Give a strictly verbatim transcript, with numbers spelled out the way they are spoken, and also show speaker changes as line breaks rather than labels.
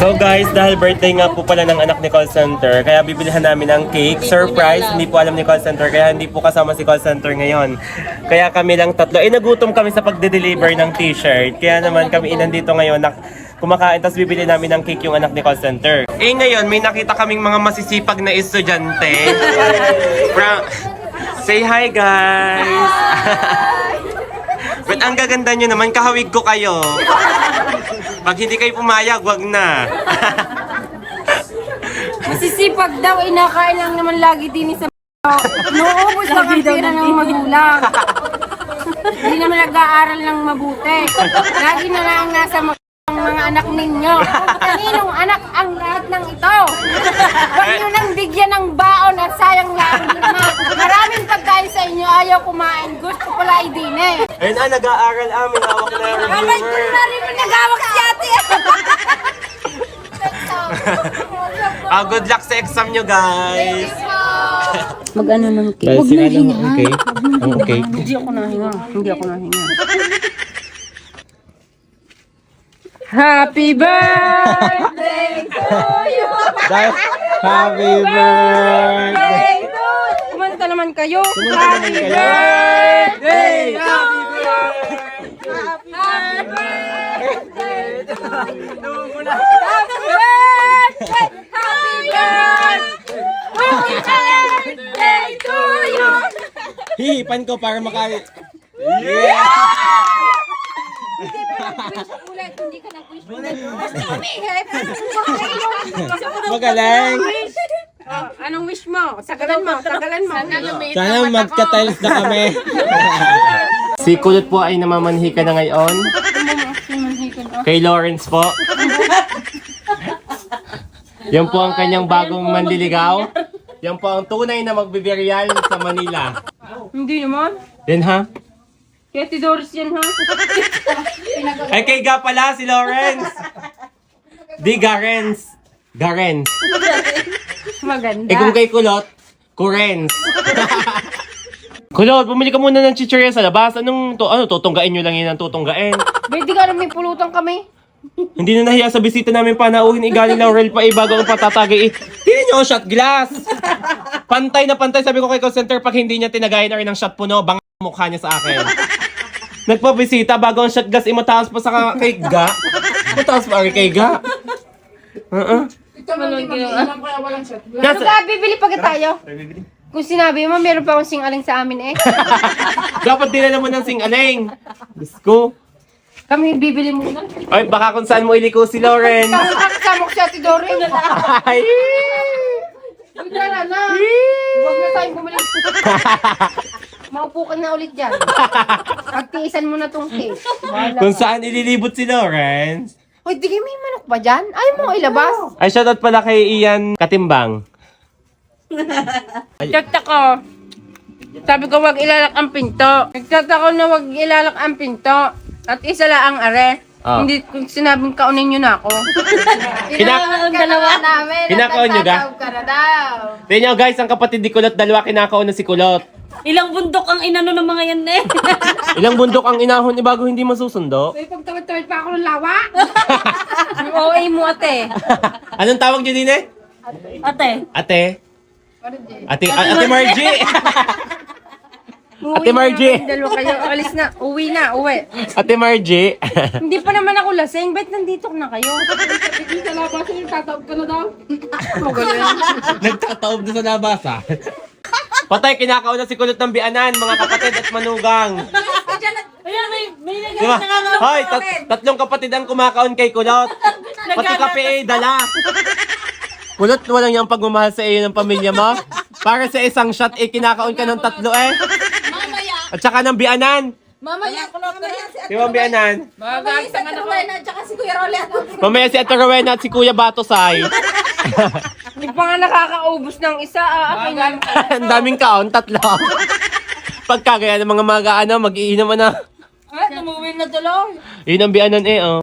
So guys, dahil birthday nga po pala ng anak ni call center, kaya bibilihan namin ng cake. Surprise, hindi po alam ni call center, kaya hindi po kasama si call center ngayon. Kaya kami lang tatlo, eh nagutom kami sa pagde-deliver ng t-shirt. Kaya naman kami inandito ngayon na kumakain, tapos bibili namin ng cake yung anak ni call center. Eh ngayon, may nakita kaming mga masisipag na estudyante. From... Say hi guys! But ang gaganda nyo naman, kahawig ko kayo. Pag hindi kayo pumayag, wag na.
Masisipag daw, inakain lang naman lagi din sa nuubos lang ang pera ng magulang. Hindi naman nag-aaral ng mabuti. Lagi na lang nasa mga, mga anak ninyo. Kaninong anak ang lahat ng ito? Huwag nyo nang bigyan ng baon at sayang lang. Maraming pagkain sa inyo, ayaw kumain. Gusto pala idin eh.
Ayun ah, nag-aaral amin. Hawak na yung
Babay ko
reviewer.
na rin mo nag-awak si ate.
Ah, good luck sa exam nyo guys.
Mag-ano ng cake.
Guys,
Huwag
sila
na
lang
hinga.
ang cake. Ang cake.
Hindi ako nahinga. Hindi ako nahinga. Happy birthday to you!
Guys, happy birthday!
Kumanta naman kayo.
Happy birthday! Happy birthday!
Birthday to you!
Hihipan ko para makalit. Yeah!
Ulit, hindi ka nag-wish mo.
Magaling!
Oh, anong wish mo? Sagalan mo, sagalan mo.
Sana magka-tiles na kami. Si Kulot po ay namamanhika na ngayon. Kay Lawrence po. Yan po ang kanyang bagong manliligaw. Yan po ang tunay na magbibiryal sa Manila.
Hindi naman.
Yan ha?
Kaya ti Doris yan ha?
Ay kay Ga pala si Lawrence. Di Garens. Garens.
Maganda.
Eh kung kay Kulot, Kurens. Kulot, bumili ka muna ng chichirya sa labas. Anong to, ano, tutunggain nyo lang yun ang tutunggain.
Pwede ka namin pulutan kami.
Hindi na nahiya sa bisita namin panauhin. Igaling Laurel pa eh, bago ang patatagay eh. Tingnan nyo, shot glass. Pantay na pantay. Sabi ko kay call center, pag hindi niya tinagayan na rin ng shot puno, bang mukha niya sa akin. Nagpabisita, bago ang shot glass, eh, mataas pa sa kay Ga. Mataas pa rin kay Ga. Uh-uh.
Ano ka, bibili pa tayo? Kung sinabi mo, meron pa akong singaling sa amin eh.
Dapat dinala mo ng sing-aling. Diyos ko.
Kami bibili muna.
Ay, baka kung saan mo iliko si Lauren.
Tapos kakasama ko si Ate Doreen.
Ay!
Wala na. Huwag na tayong bumili. Maupo ka na ulit dyan. Pagtiisan mo na tong cake. Wala
Kung
ka.
saan ililibot si Lawrence.
Hoy, di may manok ba dyan? Ayaw mo ilabas.
Ay, shoutout pala kay Ian Katimbang.
Nagtatako. Sabi ko wag ilalak ang pinto. Nagtatako na wag ilalak ang pinto. At isa lang ang are.
Ah.
Hindi kung sinabing kaunin nyo na ako.
Kinak-
Ang dalawa namin.
Kinakaon nyo ga?
Nagtatawag ka na daw.
Tingnan nyo guys, ang kapatid ni Kulot, dalawa kinakaon na si Kulot.
Ilang bundok ang inano ng mga yan eh.
Ilang bundok ang inahon ni bago hindi masusundo?
May pagtawid-tawid pa ako ng lawa.
Yung O A mo ate.
Anong tawag nyo din eh?
Ate.
Ate? Ate, a- Ate Margie! Ate Margie!
Dalawa kayo. Alis na. Uwi na. Uwi.
Ate Margie!
Hindi pa naman ako lasing. Ba't nandito na kayo?
Hindi ka labas, yung tatawag ka na daw.
Nagtataob na sa labasa. Patay, kinakaon na si Kulot ng bianan, mga kapatid at manugang.
Ayan, may, may
Di ba? Hoy, tat- tatlong kapatid ang kumakaon kay Kulot. Pati kape eh, dala. Kulot, walang yung pagmamahal sa iyo ng pamilya mo. Para sa isang shot, eh, kinakaon ka ng tatlo eh. At saka ng bianan.
mamaya, mamaya si
Di ba ang bianan?
Mamaya si Ate Rowena at saka si Kuya Rolet.
Mamaya si Ate Rowena at si Kuya Batosay.
Hindi pa nga nakakaubos ng isa. Ah, akin na.
Ang daming kaon, tatlo. Pagkagaya ng mga maga, ano, mag-iinom na.
Ay, tumuwi na tuloy.
Yun ang bianan eh, oh.